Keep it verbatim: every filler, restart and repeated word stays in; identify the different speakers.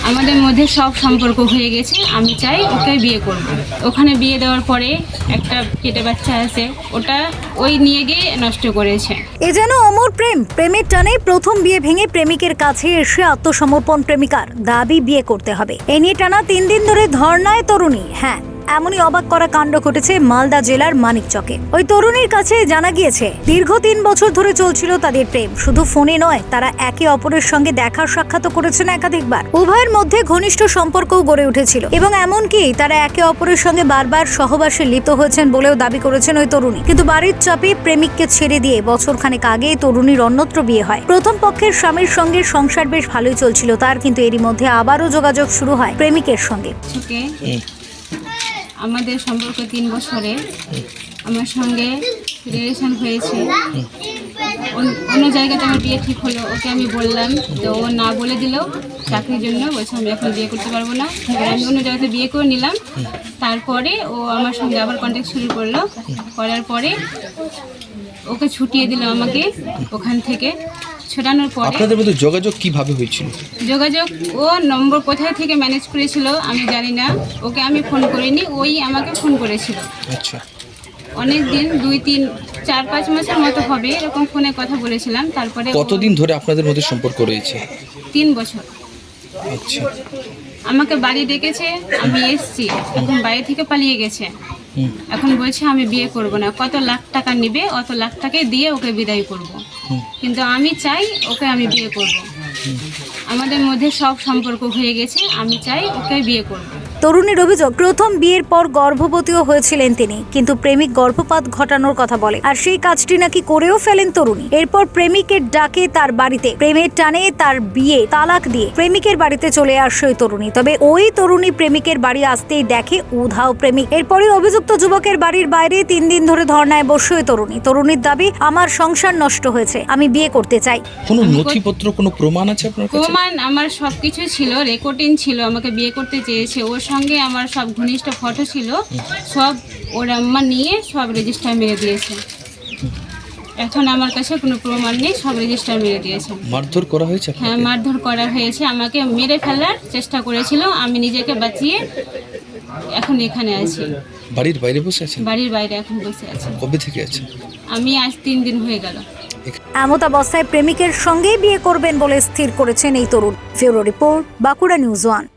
Speaker 1: আমাদের মধ্যে সব সম্পর্ক হয়ে গেছে, আমি চাই ওকে বিয়ে করব। ওখানে বিয়ে দেওয়ার পরে একটা পেটে বাচ্চা আছে, ওটা ওই নিয়ে গিয়ে নষ্ট করেছে।
Speaker 2: এ যেন অমর প্রেম। প্রেমের টানে প্রথম বিয়ে ভেঙে প্রেমিকের কাছে এসে আত্মসমর্পণ প্রেমিকার, দাবি বিয়ে করতে হবে। এ নিয়ে টানা তিন দিন ধরে ধর্নায় তরুণী। হ্যাঁ, এমনই অবাক করা কাণ্ড ঘটেছে মালদা জেলার মানিকচকে। ওই তরুণীর কাছে জানা গিয়েছে দীর্ঘ তিন বছর ধরে চলছিল তাদের প্রেম। শুধু ফোনে নয়, তারা একে অপরের সঙ্গে দেখা সাক্ষাৎ করেছেন একাধিকবার। উভয়ের মধ্যে ঘনিষ্ঠ সম্পর্কও গড়ে উঠেছিল এবং এমনকি তারা একে অপরের সঙ্গে বারবার সহবাসে লিপ্ত হয়েছেন বলেও দাবি করেছেন ওই তরুণী। কিন্তু বাড়ির চাপে প্রেমিককে ছেড়ে দিয়ে বছর খানেক আগে তরুণীর অন্যত্র বিয়ে হয়। প্রথম পক্ষের স্বামীর সঙ্গে সংসার বেশ ভালোই চলছিল তার, কিন্তু এরই মধ্যে আবারও যোগাযোগ শুরু হয় প্রেমিকের সঙ্গে।
Speaker 1: আমাদের সম্পর্ক তিন বছরে আমার সঙ্গে রিলেশন হয়েছে। অন্য জায়গাতে আমার বিয়ে ঠিক হলো, ওকে আমি বললাম, তো ও না বলে দিল চাকরির জন্য, বলছে আমি এখন বিয়ে করতে পারবো না। এবার আমি অন্য জায়গাতে বিয়ে করে নিলাম। তারপরে ও আমার সঙ্গে আবার কন্ট্যাক্ট শুরু করলো। করার পরে ওকে ছুটিয়ে দিল আমাকে ওখান থেকে। ছোটানোর পরে
Speaker 3: আপনাদের মধ্যে যোগাযোগ কিভাবে হয়েছিল?
Speaker 1: যোগাযোগ ও নম্বর কোথায় থেকে ম্যানেজ করেছিল আমি জানি না, ওকে আমি ফোন করিনি, ওই আমাকে ফোন করেছিল।
Speaker 3: আচ্ছা,
Speaker 1: অনেক দিন, দুই তিন চার পাঁচ মাসের মতো হবে এরকম ফোনে কথা বলেছিলাম। তারপরে
Speaker 3: কতদিন ধরে আপনাদের মধ্যে সম্পর্ক রয়েছে?
Speaker 1: তিন বছর।
Speaker 3: আচ্ছা,
Speaker 1: আমাকে বাড়ি ডেকেছে, আমি এসছি, এখন বাড়ি থেকে পালিয়ে গেছে। এখন বলছে আমি বিয়ে করব না, কত লাখ টাকা নেবে অত লাখ টাকা দিয়ে ওকে বিদায় করব। কিন্তু আমি চাই ওকে আমি বিয়ে করব। আমাদের মধ্যে সব সম্পর্ক হয়ে গেছে, আমি চাই ওকে বিয়ে করব।
Speaker 2: তরুণীর অভিযোগ, প্রথম বিয়ের পর গর্ভবতীও হয়েছিলেন তিনি, কিন্তু প্রেমিক গর্ভপাত ঘটানোর কথা বলে, আর সেই কাজটি নাকি করেও ফেলেন তরুণী। এরপর প্রেমিকের ডাকে তার বাড়িতে, প্রেমের টানে তার বিয়ে তালাক দিয়ে প্রেমিকের বাড়িতে চলে আসে ওই তরুণী। তবে ওই তরুণী প্রেমিকের বাড়ি আসতেই দেখে উধাও প্রেমিক। এরপরই অভিযুক্ত যুবকের বাড়ির বাইরে তিন দিন ধরে ধর্নায় বসে ওই তরুণী। তরুণীর দাবি, আমার সংসার নষ্ট হয়েছে, আমি বিয়ে করতে চাই।
Speaker 3: কোনো নথিপত্র, কোনো প্রমাণ আছে আপনার কাছে?
Speaker 1: প্রমাণ আমার সব কিছু ছিল, রেকর্ডিং ছিল, আমাকে বিয়ে করতে চেয়েছে। ওর সঙ্গে আমার সব ঘনিষ্ঠ ফটো ছিল, সব ওর আম্মা নিয়ে সব রেজিস্টার মেরে দিয়েছে। এখন আমার কাছে কোনো প্রমাণ নেই, সব রেজিস্টার মেরে দিয়েছে।
Speaker 3: মারধর করা হয়েছে?
Speaker 1: হ্যাঁ, মারধর করা হয়েছে, আমাকে মেরে ফেলার চেষ্টা করেছিল। আমি নিজেকে বাঁচিয়ে এখন এখানে আছি।
Speaker 3: বাড়ির বাইরে বসে আছেন?
Speaker 1: বাড়ির বাইরে এখন বসে আছি।
Speaker 3: কবে থেকে আছেন?
Speaker 1: আমি আজ তিন দিন হয়ে গেল।
Speaker 2: এমত অবস্থায় প্রেমিকের সঙ্গেই বিয়ে করবেন বলে স্থির করেছেন এই তরুণ। ফিউরো রিপোর্ট, বাঁকুড়া নিউজ ওয়ান।